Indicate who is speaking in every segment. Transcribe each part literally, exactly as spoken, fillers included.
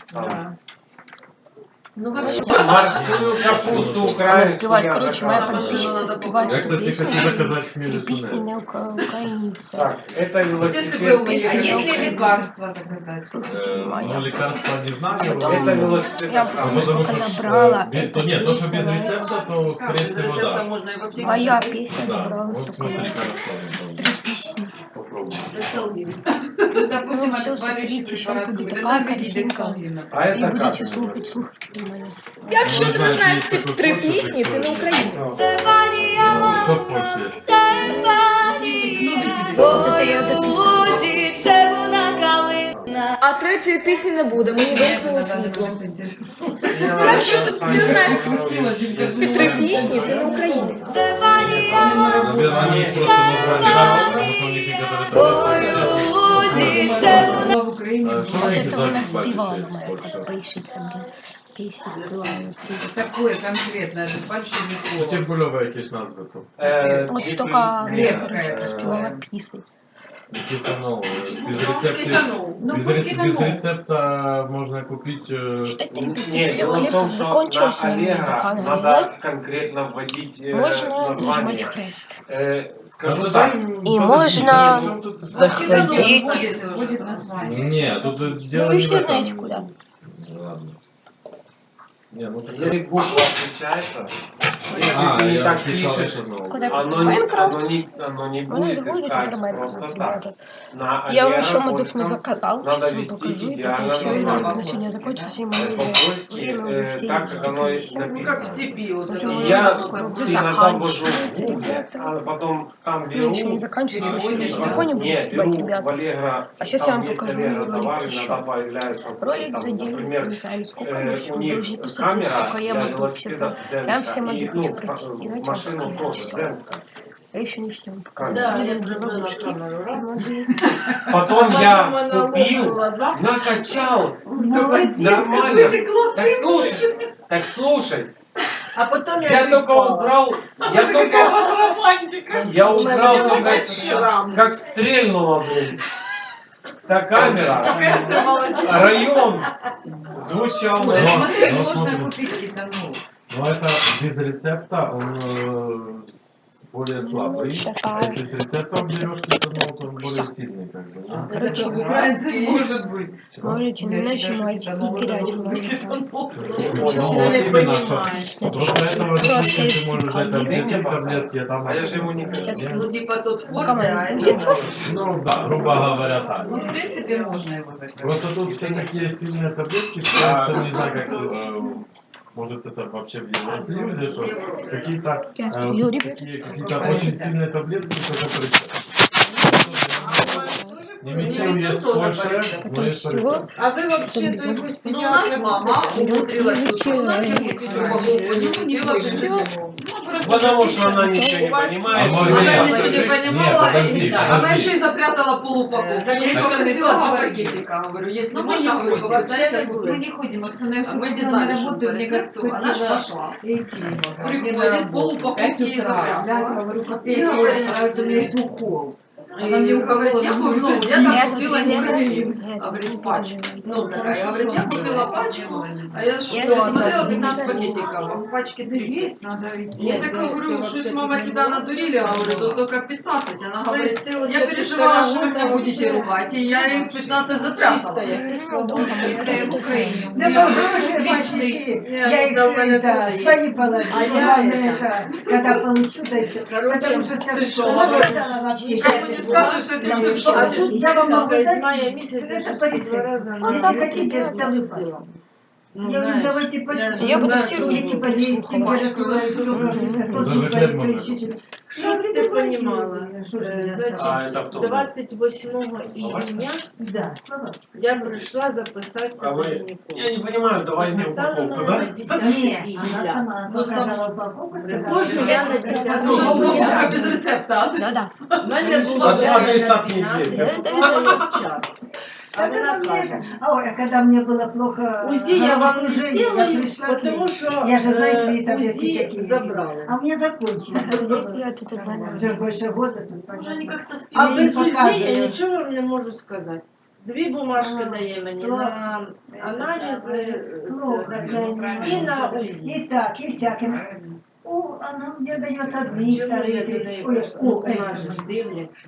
Speaker 1: Да.
Speaker 2: Ну, вообще,
Speaker 3: морскую капусту
Speaker 4: Она
Speaker 3: украинскую
Speaker 4: спевает,
Speaker 3: я
Speaker 4: короче, моя
Speaker 3: заказываю.
Speaker 4: подписчица
Speaker 2: Я,
Speaker 4: спевает эту
Speaker 5: кстати,
Speaker 4: песню,
Speaker 5: хочу
Speaker 4: и
Speaker 5: заказать
Speaker 4: три
Speaker 5: хмелю
Speaker 4: песни
Speaker 5: туннель.
Speaker 4: на ука- украинце.
Speaker 3: Так, это
Speaker 2: где ты
Speaker 3: велосипед.
Speaker 2: был?
Speaker 4: Песня
Speaker 2: А
Speaker 4: на
Speaker 2: есть ли
Speaker 4: украинце.
Speaker 2: лекарства заказать?
Speaker 4: Слушайте,
Speaker 5: Э,
Speaker 4: моя.
Speaker 5: Ну, лекарства не
Speaker 4: А
Speaker 5: знаю.
Speaker 4: потом
Speaker 3: Это велосипед
Speaker 4: я
Speaker 3: так
Speaker 4: потом
Speaker 3: само.
Speaker 5: Ну, потому
Speaker 4: сколько
Speaker 5: что,
Speaker 4: набрала,
Speaker 5: э, без-
Speaker 4: это
Speaker 5: то нет, то, что без
Speaker 4: весело.
Speaker 5: рецепта, то, скорее
Speaker 2: Без
Speaker 5: всего,
Speaker 2: рецепта
Speaker 5: да.
Speaker 2: можно и в аптеке
Speaker 4: Моя
Speaker 2: взять.
Speaker 4: песня
Speaker 5: Да,
Speaker 4: набрала
Speaker 5: вот
Speaker 4: столько
Speaker 5: смотри,
Speaker 4: лайков.
Speaker 5: хорошо.
Speaker 4: Три песни.
Speaker 5: Попробуй.
Speaker 2: Дексалгин. Ну, допустим,
Speaker 4: Ну, всё,
Speaker 2: обезболивающие
Speaker 4: смотрите, щас
Speaker 2: препараты.
Speaker 4: будет
Speaker 2: Тогда
Speaker 4: такая
Speaker 2: введи
Speaker 4: картинка.
Speaker 2: дексалгин, например.
Speaker 3: А
Speaker 4: И
Speaker 3: это
Speaker 4: будете
Speaker 3: как?
Speaker 4: слухать, слухайте мене.
Speaker 5: Я
Speaker 6: Якщо ти не знаєш ці три пісні, ти не українець.
Speaker 5: Що в Польщі є?
Speaker 4: Вот это я записала.
Speaker 6: А третьої пісні не буде, мені вимкнуло світло.
Speaker 3: Якщо
Speaker 6: ти не знаєш ці три пісні, ти не українець.
Speaker 5: Наверное, они их просто назвали так, потому что у них некоторые таблетки.
Speaker 2: В Украине.
Speaker 5: А что
Speaker 4: Вот
Speaker 5: вы
Speaker 4: это вона
Speaker 5: экзамен
Speaker 4: співала,
Speaker 5: платите
Speaker 4: моя
Speaker 5: в Польше?
Speaker 4: подписчиця, блін. Пісні співала. три.
Speaker 2: Какое конкретное обезболивающее
Speaker 5: Ну,
Speaker 2: никого?
Speaker 5: Тибульовые якісь назви тут.
Speaker 3: Э,
Speaker 4: От
Speaker 3: типа,
Speaker 4: столько,
Speaker 2: крепкая.
Speaker 4: короче, співала пісень.
Speaker 5: Кетанол. Без рецепта,
Speaker 2: Кетанол. Ну,
Speaker 5: без,
Speaker 2: пусть
Speaker 5: ре- без
Speaker 2: кетанол.
Speaker 5: рецепта можно купить... э,
Speaker 4: Что-то,
Speaker 3: Не,
Speaker 4: ребята, все,
Speaker 3: дело в
Speaker 4: хлеб
Speaker 3: том, что
Speaker 4: закончился
Speaker 3: на
Speaker 4: на моем
Speaker 3: Allegro
Speaker 4: канале.
Speaker 3: надо конкретно вводить э,
Speaker 4: Можно нажимать
Speaker 3: название.
Speaker 4: хрест.
Speaker 3: Э, скажу
Speaker 5: Ну,
Speaker 3: так.
Speaker 5: дай,
Speaker 4: И
Speaker 5: подожди,
Speaker 4: можно
Speaker 5: при чем тут-
Speaker 4: заходить.
Speaker 2: Будет название.
Speaker 5: Нет, тут дело
Speaker 4: Ну, вы
Speaker 5: не в
Speaker 4: все
Speaker 5: этом.
Speaker 4: знаете, куда.
Speaker 5: Ладно. Не, ну так...
Speaker 3: Если буква отличается, если
Speaker 5: А,
Speaker 3: ты не
Speaker 5: я
Speaker 3: так
Speaker 5: написал
Speaker 3: пишешь,
Speaker 5: это, ну.
Speaker 4: Куда?
Speaker 3: оно не,
Speaker 4: Майнкрафт.
Speaker 3: оно не, оно не
Speaker 4: Она
Speaker 3: будет
Speaker 4: заходит
Speaker 3: искать
Speaker 4: про
Speaker 3: просто
Speaker 4: Майнкрафт,
Speaker 3: так.
Speaker 4: ребята.
Speaker 3: На
Speaker 4: Я вам
Speaker 3: Allegro
Speaker 4: еще модов не
Speaker 3: польском
Speaker 4: показал,
Speaker 3: надо
Speaker 4: сейчас вам
Speaker 3: вести
Speaker 4: покажу, и потом
Speaker 3: идеально
Speaker 4: все, и
Speaker 3: название.
Speaker 4: на сегодня закончится, и мы
Speaker 3: Э,
Speaker 4: уже
Speaker 3: По-польски,
Speaker 4: время уже
Speaker 3: э,
Speaker 4: все
Speaker 3: так, как оно и
Speaker 4: стыкнулись.
Speaker 2: Ну, как в
Speaker 3: написано.
Speaker 2: Си Пи. Вот
Speaker 4: Уже
Speaker 2: это
Speaker 4: мы
Speaker 2: вот.
Speaker 3: Я
Speaker 4: скоро уже
Speaker 3: иногда ввожу в
Speaker 4: заканчивается,
Speaker 3: Google,
Speaker 4: ребята.
Speaker 3: а потом там
Speaker 4: Ну,
Speaker 3: беру,
Speaker 4: еще не заканчивается, еще
Speaker 2: переводишь,
Speaker 4: на
Speaker 2: да?
Speaker 4: телефоне буду
Speaker 3: не,
Speaker 4: снимать,
Speaker 3: беру в
Speaker 4: ребята.
Speaker 3: Allegro,
Speaker 4: А сейчас я
Speaker 3: там
Speaker 4: вам
Speaker 3: есть
Speaker 4: покажу
Speaker 3: Allegro
Speaker 4: ролик
Speaker 3: товары,
Speaker 4: еще.
Speaker 3: иногда появляется,
Speaker 4: Ролик
Speaker 3: там,
Speaker 4: заделается,
Speaker 3: например,
Speaker 4: не знаю, сколько,
Speaker 3: э,
Speaker 4: но
Speaker 3: у
Speaker 4: вы
Speaker 3: них
Speaker 4: должны посмотреть,
Speaker 3: камера
Speaker 4: сколько я
Speaker 3: для
Speaker 4: могу
Speaker 3: велосипеда
Speaker 4: писать. Я вам все моды
Speaker 3: демка, и,
Speaker 4: хочу
Speaker 3: ну,
Speaker 4: протестировать,
Speaker 3: в
Speaker 4: вам
Speaker 3: машину
Speaker 4: покажу
Speaker 3: тоже
Speaker 4: все.
Speaker 3: демка.
Speaker 4: Я еще не всем показала.
Speaker 3: Да,
Speaker 4: Блин,
Speaker 1: я
Speaker 4: где
Speaker 1: пробила
Speaker 4: бабушки?
Speaker 1: камеру, раз.
Speaker 4: Моды.
Speaker 3: Потом
Speaker 1: А
Speaker 3: я
Speaker 1: потом она
Speaker 3: купил,
Speaker 1: лопнула, да?
Speaker 3: накачал,
Speaker 2: Молодец,
Speaker 3: нормально.
Speaker 2: какой ты классный
Speaker 3: Так слушай, так слушай,
Speaker 1: А потом я
Speaker 3: я
Speaker 1: же
Speaker 3: только
Speaker 1: упала.
Speaker 3: убрал, я
Speaker 2: Какая у
Speaker 3: только,
Speaker 2: вас романтика.
Speaker 3: я
Speaker 1: У меня
Speaker 3: убрал
Speaker 1: был
Speaker 3: только,
Speaker 1: шрам.
Speaker 3: как стрельнула, блин. Та камера,
Speaker 2: Какая ты молодец.
Speaker 3: район звучал.
Speaker 2: Оля,
Speaker 5: Но-
Speaker 2: смотри,
Speaker 5: но
Speaker 2: можно
Speaker 5: смотри.
Speaker 2: купить кетанол.
Speaker 5: Но это без рецепта, он э, более слабый.
Speaker 4: щас,
Speaker 5: А если с рецептом берешь кетанол, то он более сильный, как бы. Да?
Speaker 4: Короче,
Speaker 2: Это украинский может быть.
Speaker 4: можете не нажимать и грязь в
Speaker 2: кетанол.
Speaker 4: Сейчас
Speaker 3: Ну,
Speaker 4: я
Speaker 3: вот
Speaker 4: не
Speaker 3: именно,
Speaker 4: понимаю.
Speaker 5: Просто этого, допустим, ты можешь дать
Speaker 3: Ты мне
Speaker 5: таблетки,
Speaker 3: поставь.
Speaker 5: таблетки, а там...
Speaker 3: А я же его не хочу.
Speaker 5: Нет?
Speaker 1: Ну, типа тот
Speaker 4: Ну,
Speaker 1: форт,
Speaker 4: кому
Speaker 1: да,
Speaker 4: не
Speaker 1: это
Speaker 4: грузится?
Speaker 1: можно.
Speaker 5: Ну да, грубо говоря, так.
Speaker 2: Ну, в принципе, можно его заказать.
Speaker 5: Просто тут все такие сильные таблетки, что я вообще не знаю, как... э, может это вообще в Евросоюзе, что какие-то
Speaker 4: Я
Speaker 5: э,
Speaker 4: сплю, ребят.
Speaker 5: такие какие-то очень сильные таблетки, только по рецепту. Не месил есть в Польше, но есть по рецепту.
Speaker 1: А вы вообще то якусь
Speaker 2: Ну, у нас мама умудрилась
Speaker 4: Ну,
Speaker 2: тут. У нас
Speaker 4: ничего.
Speaker 2: я купила упаковку, не села
Speaker 4: Всё.
Speaker 3: Потому что она ничего не
Speaker 1: У вас-
Speaker 3: понимает.
Speaker 5: А
Speaker 3: и
Speaker 5: мы
Speaker 3: не
Speaker 2: Она
Speaker 5: нет,
Speaker 2: ничего не
Speaker 3: хочет.
Speaker 2: понимала,
Speaker 5: Нет, подожди,
Speaker 2: и да,
Speaker 5: подожди.
Speaker 2: она еще и запрятала полупаковку. Я ей
Speaker 1: Так,
Speaker 2: попросила
Speaker 1: так,
Speaker 2: два
Speaker 1: так.
Speaker 2: пакетика. Говорю, если
Speaker 1: Ну, мы
Speaker 2: можно,
Speaker 1: не
Speaker 2: говорю,
Speaker 1: ходим.
Speaker 2: повертайся.
Speaker 1: Вообще не
Speaker 2: Мы
Speaker 1: будем.
Speaker 2: не ходим, Оксана
Speaker 1: А мы не знали, что
Speaker 2: работает,
Speaker 1: по
Speaker 2: мне
Speaker 1: рецепту,
Speaker 2: как она ж
Speaker 1: хотела
Speaker 2: пошла.
Speaker 1: идти.
Speaker 2: Приходит, полупаковки ей запрятала.
Speaker 1: Говорю,
Speaker 2: И
Speaker 1: копейки,
Speaker 2: говорит,
Speaker 1: а это у меня есть
Speaker 2: укол.
Speaker 1: Она
Speaker 2: Она
Speaker 1: мне
Speaker 2: мне говорит,
Speaker 1: уколола,
Speaker 2: я
Speaker 1: ну,
Speaker 2: купила,
Speaker 1: ну,
Speaker 2: я
Speaker 4: Я
Speaker 2: там
Speaker 4: тут
Speaker 2: купила
Speaker 4: не
Speaker 2: инсулин.
Speaker 4: Я тут
Speaker 2: Говорит,
Speaker 4: не
Speaker 2: пачку.
Speaker 4: переживаю.
Speaker 2: Ну, такая, я говорю, я купила пачку, а я что,
Speaker 4: Я это
Speaker 2: смотрела
Speaker 4: всегда
Speaker 2: пятнадцать
Speaker 4: не
Speaker 2: пакетиков, а в пачке тридцать.
Speaker 1: надо идти.
Speaker 2: Я так говорю, что мама тебя надурили, а говорю, тут только пятнадцать. Она
Speaker 1: То
Speaker 2: говорит,
Speaker 1: есть ты вот
Speaker 2: я
Speaker 1: за
Speaker 2: переживала,
Speaker 1: полтора
Speaker 2: что вы меня
Speaker 1: года
Speaker 2: будете
Speaker 1: вообще
Speaker 2: ругать, и я им пятнадцать запрятала.
Speaker 1: Чистая, ты
Speaker 4: Дома
Speaker 2: Чистая в Украине. У
Speaker 7: Да
Speaker 2: меня
Speaker 7: похоже,
Speaker 2: личный.
Speaker 7: почти.
Speaker 1: Нет,
Speaker 7: Я их
Speaker 1: да, у меня
Speaker 7: это,
Speaker 1: тоже есть.
Speaker 7: свои положу.
Speaker 1: А я
Speaker 7: Главное
Speaker 1: это-
Speaker 7: это, когда получу, да и все.
Speaker 1: Короче,
Speaker 7: Потому что
Speaker 2: ты
Speaker 7: сейчас
Speaker 2: шо,
Speaker 7: она
Speaker 2: Володя?
Speaker 7: сказала в аптеке.
Speaker 2: Никому не скажешь, что
Speaker 7: Я
Speaker 2: ты
Speaker 7: говорю,
Speaker 2: шо,
Speaker 7: а
Speaker 2: Володя?
Speaker 7: тут я вам могу
Speaker 1: Из
Speaker 7: дать,
Speaker 1: мая месяца
Speaker 7: это
Speaker 1: я
Speaker 7: по
Speaker 1: два
Speaker 7: рецепту.
Speaker 1: раза
Speaker 7: Ну,
Speaker 1: на
Speaker 7: так
Speaker 1: месяц
Speaker 7: хотите,
Speaker 1: это
Speaker 7: целый
Speaker 1: было. Ну,
Speaker 7: Я говорю,
Speaker 1: знаешь,
Speaker 7: давайте по
Speaker 1: я-
Speaker 4: Я буду
Speaker 1: Да,
Speaker 4: все
Speaker 1: что
Speaker 4: ролики
Speaker 7: Эти
Speaker 4: переслухивать.
Speaker 7: температура и все, как говорится, то
Speaker 5: Даже
Speaker 7: тут
Speaker 5: хлеб
Speaker 7: болит, то
Speaker 5: можно
Speaker 7: еще
Speaker 5: купить.
Speaker 7: что-то.
Speaker 1: Чтоб ты понимала,
Speaker 7: Что же
Speaker 1: э,
Speaker 7: меня
Speaker 1: значит,
Speaker 3: А, это кто?
Speaker 1: двадцать восьмого июня
Speaker 7: Да, слова.
Speaker 1: я пришла записаться
Speaker 3: А
Speaker 1: на
Speaker 3: вы-
Speaker 1: гинеколога.
Speaker 3: Я не понимаю, давай мне
Speaker 1: Записала
Speaker 3: упаковку,
Speaker 1: меня
Speaker 3: да?
Speaker 1: на десятое
Speaker 7: Не, она
Speaker 1: июля.
Speaker 7: сама
Speaker 2: Ну, сам-
Speaker 7: показала упаковку, сказала,
Speaker 1: Приходжу
Speaker 7: что
Speaker 1: я на
Speaker 7: это
Speaker 1: десятое
Speaker 2: Ну,
Speaker 7: упаковка.
Speaker 2: упаковка
Speaker 1: июля.
Speaker 2: без рецепта.
Speaker 4: Да-да.
Speaker 1: У мене було
Speaker 3: А
Speaker 1: время
Speaker 3: адресат
Speaker 1: на
Speaker 3: неизвестен.
Speaker 1: двенадцать час. А
Speaker 7: Так
Speaker 1: вона
Speaker 7: она
Speaker 1: каже,
Speaker 7: мне, а ой, а когда мне было плохо,
Speaker 1: УЗИ я вам не
Speaker 7: головокружение, я
Speaker 1: сделаю,
Speaker 7: пришла к ней.
Speaker 1: потому что
Speaker 7: Я же знаю
Speaker 1: э,
Speaker 7: свои таблетки
Speaker 1: УЗИ
Speaker 7: какие.
Speaker 1: забрали.
Speaker 7: А у меня закончилось.
Speaker 4: Я тут одна.
Speaker 7: Уже больше года тут.
Speaker 2: Уже они как-то
Speaker 1: А
Speaker 7: Я
Speaker 1: без
Speaker 7: їй
Speaker 1: УЗИ я
Speaker 7: показую.
Speaker 1: нічого вам не можу сказати. Дві бумажки дає мені на аналізи це, і на УЗІ.
Speaker 7: И так, и всяким. О, она мне дает одни,
Speaker 1: Чому я до
Speaker 7: вторые.
Speaker 1: неї
Speaker 7: Ой,
Speaker 1: прийшла?
Speaker 7: о,
Speaker 1: Вона
Speaker 7: это
Speaker 1: ж
Speaker 7: же.
Speaker 1: дивляться.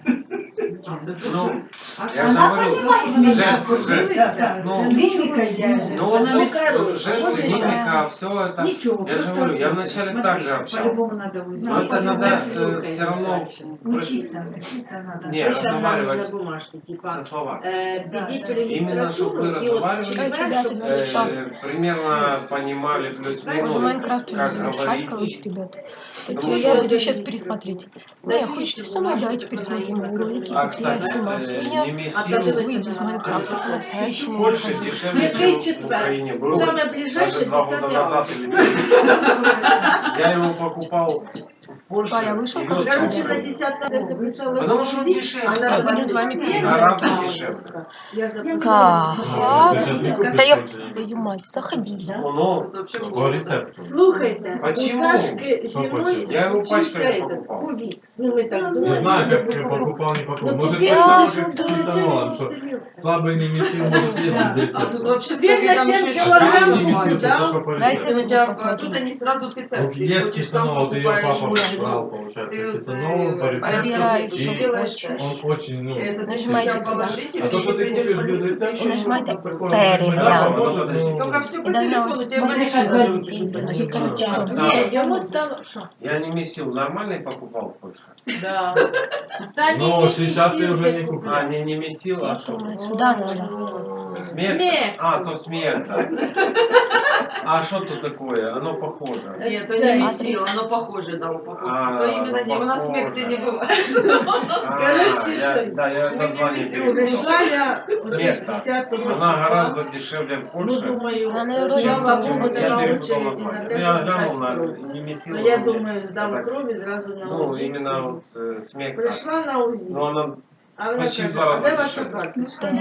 Speaker 3: Ну, я же
Speaker 7: Она
Speaker 3: говорю,
Speaker 7: понимает меня.
Speaker 3: жест, жест.
Speaker 7: Да, да,
Speaker 3: Ну,
Speaker 7: с мимикой я.
Speaker 3: Ну, вот
Speaker 1: Ну,
Speaker 3: жест,
Speaker 1: короче,
Speaker 3: жест,
Speaker 1: может,
Speaker 3: мимика, все это.
Speaker 8: Ничего,
Speaker 3: Я же
Speaker 8: просто
Speaker 3: говорю, я
Speaker 8: слушай,
Speaker 3: вначале
Speaker 8: смотри,
Speaker 3: так же общался.
Speaker 8: По-любому надо узнать.
Speaker 3: Но это надо
Speaker 1: слухай,
Speaker 3: все равно
Speaker 7: Учиться, учиться надо.
Speaker 3: Не,
Speaker 1: Пише нам на
Speaker 3: разговаривать
Speaker 1: бумажці, типа,
Speaker 3: со словами.
Speaker 1: е, підіть в
Speaker 3: Іменно, щоб ви
Speaker 1: реєстратуру, і от
Speaker 3: розмовляли,
Speaker 1: четвер, щоб
Speaker 4: Е,
Speaker 1: ви
Speaker 3: Э, примерно понимали плюс-минус,
Speaker 4: Можно Майнкрафт уже
Speaker 3: как
Speaker 4: завершать,
Speaker 3: говорить.
Speaker 4: короче, ребята. Так
Speaker 3: Ну,
Speaker 4: я,
Speaker 3: что
Speaker 4: я
Speaker 1: это
Speaker 4: буду сейчас
Speaker 1: есть?
Speaker 4: пересмотреть.
Speaker 1: Да,
Speaker 4: Не,
Speaker 1: видите,
Speaker 4: хочете со мной,
Speaker 1: бумажки
Speaker 4: давайте пересмотрим мои ролики,
Speaker 3: А,
Speaker 4: как я
Speaker 3: кстати,
Speaker 4: снимал
Speaker 3: э,
Speaker 4: сегодня.
Speaker 3: не
Speaker 1: А
Speaker 3: месил,
Speaker 1: то
Speaker 4: Выйду с Майнкрафта по-настоящему.
Speaker 3: Польша дешевле,
Speaker 1: Який
Speaker 3: чем в
Speaker 1: четвер?
Speaker 3: Украине был.
Speaker 1: Саме
Speaker 3: Даже
Speaker 1: ближайше
Speaker 3: два года
Speaker 1: десятий
Speaker 3: назад.
Speaker 1: август.
Speaker 3: или- Я его покупал в Польше.
Speaker 4: А, я вышел,
Speaker 3: и
Speaker 4: короче,
Speaker 3: вез в
Speaker 1: Короче, на
Speaker 3: Украину.
Speaker 1: десятое я записалась
Speaker 3: Потому
Speaker 1: на
Speaker 3: что он
Speaker 1: УЗИ,
Speaker 3: дешевле.
Speaker 1: а на
Speaker 4: Я буду с вами
Speaker 1: двадцать первое
Speaker 3: Гораздо
Speaker 1: я
Speaker 3: дешевле.
Speaker 1: Я
Speaker 4: Так,
Speaker 1: записалась.
Speaker 5: Ну, ты сейчас не купишь
Speaker 4: да я,
Speaker 5: больше.
Speaker 4: твою мать, заходи.
Speaker 3: Ну, ну,
Speaker 2: Вообще
Speaker 5: По
Speaker 2: было.
Speaker 5: рецепту.
Speaker 1: Слухайте,
Speaker 3: Почему?
Speaker 1: у Сашки
Speaker 5: Что
Speaker 1: зимой
Speaker 5: почему?
Speaker 3: Я его
Speaker 1: случился
Speaker 3: пачками
Speaker 1: этот
Speaker 3: покупал.
Speaker 1: ковид. Ну, мы так
Speaker 5: Не
Speaker 1: думали.
Speaker 5: знаю,
Speaker 1: что
Speaker 5: как
Speaker 1: это
Speaker 5: ты
Speaker 1: будет.
Speaker 5: покупал, не покупал.
Speaker 1: Ну,
Speaker 5: Может,
Speaker 1: купил,
Speaker 5: так
Speaker 1: а
Speaker 5: же, как с
Speaker 1: что
Speaker 5: кетанолом, что слабый не месил, может ездить за
Speaker 2: А тут
Speaker 5: рецептом.
Speaker 2: вообще
Speaker 1: Він на
Speaker 2: там
Speaker 1: семь
Speaker 2: еще
Speaker 1: килограмм
Speaker 5: Сам не месил,
Speaker 1: купил,
Speaker 5: то
Speaker 1: да?
Speaker 5: только по
Speaker 4: Дайте
Speaker 5: рецепту.
Speaker 2: У
Speaker 4: мне
Speaker 2: тебя
Speaker 4: посмотрю.
Speaker 2: тут они сразу ты
Speaker 5: Вот
Speaker 2: тест.
Speaker 5: есть кетанол, ты ее папа
Speaker 2: покупаешь,
Speaker 5: брал,
Speaker 2: ну,
Speaker 5: получается,
Speaker 2: ты вот,
Speaker 5: кетанол по
Speaker 2: э,
Speaker 5: рецепту.
Speaker 4: Выбираешь,
Speaker 5: И
Speaker 4: что
Speaker 2: делаешь,
Speaker 4: хочешь.
Speaker 5: он очень, ну,
Speaker 2: Это ты
Speaker 4: Нажимаете
Speaker 2: себя
Speaker 4: сюда.
Speaker 2: положительно,
Speaker 5: а то, что ты
Speaker 2: придёшь
Speaker 5: купишь
Speaker 2: в
Speaker 5: без
Speaker 2: больницу,
Speaker 5: рецепта,
Speaker 2: ты ещё
Speaker 4: Нажимайте
Speaker 2: что-то такое.
Speaker 4: «Перегляд».
Speaker 5: может, ну,
Speaker 2: Только все по
Speaker 4: И должна
Speaker 2: телефону,
Speaker 4: вас
Speaker 2: тебе
Speaker 7: Смотри,
Speaker 2: больше
Speaker 7: как
Speaker 2: даже
Speaker 7: говорит,
Speaker 2: пишут.
Speaker 4: И, короче,
Speaker 1: Ні, йому стало... Що?
Speaker 3: я не месил, нормальный покупал в Польше.
Speaker 1: Да. Та ні,
Speaker 5: Ну,
Speaker 1: не
Speaker 5: сейчас ты
Speaker 1: месил
Speaker 5: уже
Speaker 1: ти
Speaker 5: не
Speaker 1: купляв.
Speaker 3: А, не, не месил, а что?
Speaker 4: вот сюда надо.
Speaker 3: Смерть?
Speaker 1: Смерть.
Speaker 3: А, то смерть, да. А что тут такое? Оно похоже.
Speaker 2: Нет, это
Speaker 1: Це-
Speaker 2: не месил, оно похоже, да, упаковку.
Speaker 3: А,
Speaker 2: То именно
Speaker 3: оно
Speaker 2: не, у нас смех ты не
Speaker 3: похоже.
Speaker 2: бывает.
Speaker 3: А,
Speaker 1: Короче,
Speaker 3: я,
Speaker 1: це-
Speaker 3: да, я
Speaker 2: Мы
Speaker 3: название
Speaker 2: не месил,
Speaker 3: перепутал.
Speaker 1: Прийшла я
Speaker 3: Смерть, да.
Speaker 1: десятого
Speaker 3: Она
Speaker 1: числа.
Speaker 3: гораздо дешевле в
Speaker 1: Ну,
Speaker 3: Польше.
Speaker 1: думаю,
Speaker 4: Она, наверное,
Speaker 1: слава
Speaker 4: очень
Speaker 1: Богу,
Speaker 4: дешевле.
Speaker 1: не
Speaker 3: Я
Speaker 1: на
Speaker 3: перепутал
Speaker 1: очереди на
Speaker 3: название.
Speaker 1: те,
Speaker 3: Ну,
Speaker 1: щоб
Speaker 3: я глянул
Speaker 1: здати
Speaker 3: на
Speaker 1: кров.
Speaker 3: не месил.
Speaker 1: Ну, я
Speaker 3: но
Speaker 1: думаю, здам
Speaker 3: так.
Speaker 1: кров і зразу на
Speaker 3: Ну,
Speaker 1: УЗІ.
Speaker 3: именно вот э, смерть. так.
Speaker 1: Прийшла на УЗІ.
Speaker 3: Но она
Speaker 1: А вона
Speaker 3: почти
Speaker 1: каже,
Speaker 3: в два
Speaker 1: а
Speaker 3: рази
Speaker 1: де ваша
Speaker 3: дешевле.
Speaker 1: карточка?
Speaker 4: Так,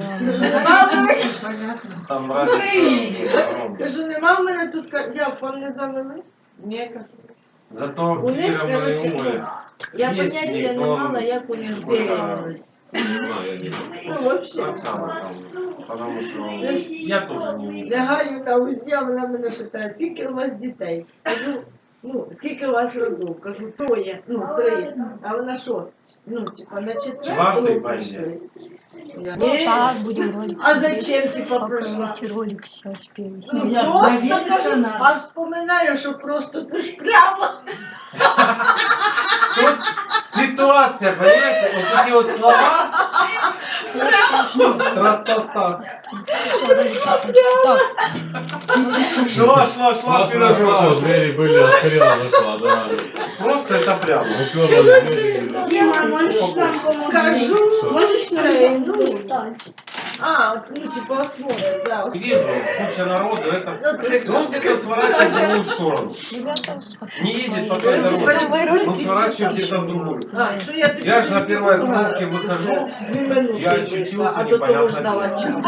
Speaker 7: Понятно.
Speaker 3: там разница огромная.
Speaker 1: Кажу, нема в мене тут карточки. Як, вам не завели? Ні, кажу.
Speaker 3: Зато
Speaker 1: У них,
Speaker 3: Кира
Speaker 1: короче,
Speaker 3: Мариуполь.
Speaker 1: я
Speaker 3: Есть
Speaker 1: поняття не
Speaker 3: Никон,
Speaker 1: мала, як у них
Speaker 3: какой-то,
Speaker 1: беременность.
Speaker 3: не знаю, я не
Speaker 1: Ну,
Speaker 3: знаю.
Speaker 1: вообще.
Speaker 3: Оксана там, потому что
Speaker 1: Це ж
Speaker 3: я тоже не умею.
Speaker 1: лягаю на УЗІ, а вона мене питає, скільки у вас дітей? Кажу, ну, скільки у вас родів? Кажу, троє, ну, три. А вона що? Ну, типа, на
Speaker 3: Чвертий
Speaker 1: четвертому
Speaker 3: бандит.
Speaker 1: прийшли. Я,
Speaker 4: Ну,
Speaker 1: «Ні».
Speaker 4: сейчас будем ролик
Speaker 1: А
Speaker 4: смотреть.
Speaker 1: зачем, типа,
Speaker 4: Как
Speaker 1: прийшла?
Speaker 4: эти ролик сейчас перед.
Speaker 1: Ну,
Speaker 7: Я
Speaker 1: просто
Speaker 7: провериться
Speaker 1: кажу,
Speaker 7: надо.
Speaker 1: а вспоминаю, що просто це ж прямо.
Speaker 3: Тут ситуация, понимаете, вот эти вот слова, красота.
Speaker 4: Все, ролик закончился. Так,
Speaker 3: Шла, шла, шла,
Speaker 5: Шла, шла, шла, вот двери были, открыла, зашла, да.
Speaker 3: Просто это прямо.
Speaker 5: Уперлась в двери.
Speaker 8: Дима, можешь нам помочь?
Speaker 1: Кажу,
Speaker 8: Можешь нам
Speaker 1: це, ну,
Speaker 8: помочь?
Speaker 1: а, от, ну, типа, осмотр, да.
Speaker 3: Вижу, куча народу, это... И он где-то сворачивает в другую сторону.
Speaker 4: ребята, смотрите.
Speaker 3: Не едет по
Speaker 1: Короче,
Speaker 3: той дороге.
Speaker 4: мои
Speaker 3: Он
Speaker 4: ролики.
Speaker 3: сворачивает где-то в другую.
Speaker 1: А, що я тоді
Speaker 3: Я ж на
Speaker 1: не
Speaker 3: первой
Speaker 1: думала.
Speaker 3: остановке выхожу,
Speaker 1: Дві минути
Speaker 3: я
Speaker 1: вийшла,
Speaker 3: очутился
Speaker 1: а до того
Speaker 3: непонятно
Speaker 1: ждала
Speaker 3: где.
Speaker 1: час.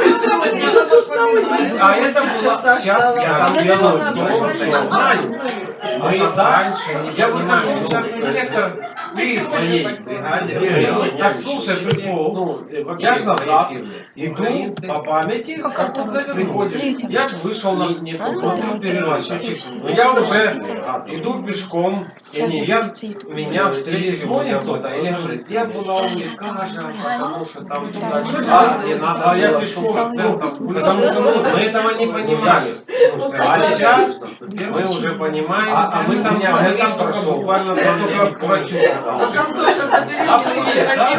Speaker 3: А это было... Сейчас я делаю то, что я знаю. Мы раньше, я выхожу в частный сектор, и в моей бригаде. Так, слушай, прикол, ну, я ж назад иду по памяти,
Speaker 4: Какая
Speaker 3: как
Speaker 4: то
Speaker 3: приходишь,
Speaker 4: Видите?
Speaker 3: я ж вышел на
Speaker 4: Правильно
Speaker 3: смотрю
Speaker 4: думаете?
Speaker 3: передачу,
Speaker 4: Все.
Speaker 3: но я уже иду пешком, и
Speaker 4: Сейчас
Speaker 3: не, я,
Speaker 4: запустите YouTube.
Speaker 3: меня встретили возле кто-то, или говорит, я была у Ликажа, потому что там туда
Speaker 1: А,
Speaker 3: не надо, а я пешком в центр, потому что ну, мы этого не понимали. А сейчас мы уже понимаем, а, а мы там, мы там прошел, буквально только к врачу.
Speaker 2: А там тоже
Speaker 3: А привет, да?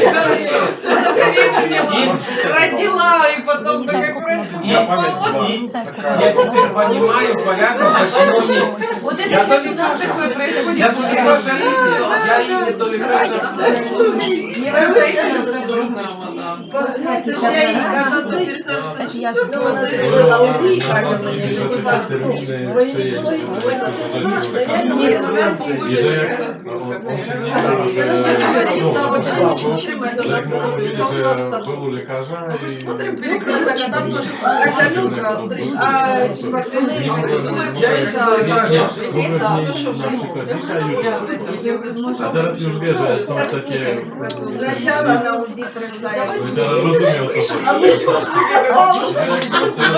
Speaker 2: родила, и
Speaker 4: Я
Speaker 2: потом
Speaker 4: не знаю,
Speaker 2: так
Speaker 4: сколько нас
Speaker 3: И-
Speaker 4: будет.
Speaker 3: и-
Speaker 4: Я не знаю, сколько
Speaker 3: Я
Speaker 4: нас
Speaker 3: теперь
Speaker 4: будет.
Speaker 3: понимаю порядок, почему не...
Speaker 2: Вот
Speaker 3: Я
Speaker 2: это сейчас
Speaker 3: то
Speaker 2: у нас
Speaker 3: Ликажа.
Speaker 2: такое происходит.
Speaker 3: Я тут Ликажа ездил, я ездил до Ликажа.
Speaker 2: Не раздается программа, да.
Speaker 1: Ну, це ж я їй кажу, це
Speaker 4: Это я
Speaker 1: ну, вона
Speaker 4: записала.
Speaker 1: зробила УЗІ і каже мені, що типа, ну, ви ніколи не бачите, я думаю, вона
Speaker 5: И же, Ну,
Speaker 2: Да, вот
Speaker 5: слава
Speaker 2: очень
Speaker 5: Богу,
Speaker 2: чем это
Speaker 5: że jak
Speaker 2: нас
Speaker 5: mówili, że był u lekarza i...
Speaker 2: Смотрим, перекресток, а там тоже
Speaker 1: А, ну,
Speaker 2: красный.
Speaker 1: а, типа, коли-
Speaker 5: Nie mogłem,
Speaker 2: Ну,
Speaker 5: mogłem,
Speaker 2: я это,
Speaker 5: nie,
Speaker 2: как
Speaker 5: nie,
Speaker 2: же,
Speaker 5: mogłem
Speaker 2: да,
Speaker 5: z
Speaker 2: ну что
Speaker 5: niej
Speaker 2: ж,
Speaker 5: na
Speaker 2: ну,
Speaker 5: przykład
Speaker 2: я
Speaker 5: dzisiaj jutro. A teraz już wie, że są takie...
Speaker 1: Спочатку на УЗИ пройшла, я
Speaker 5: No i teraz rozumiem o co chodzi.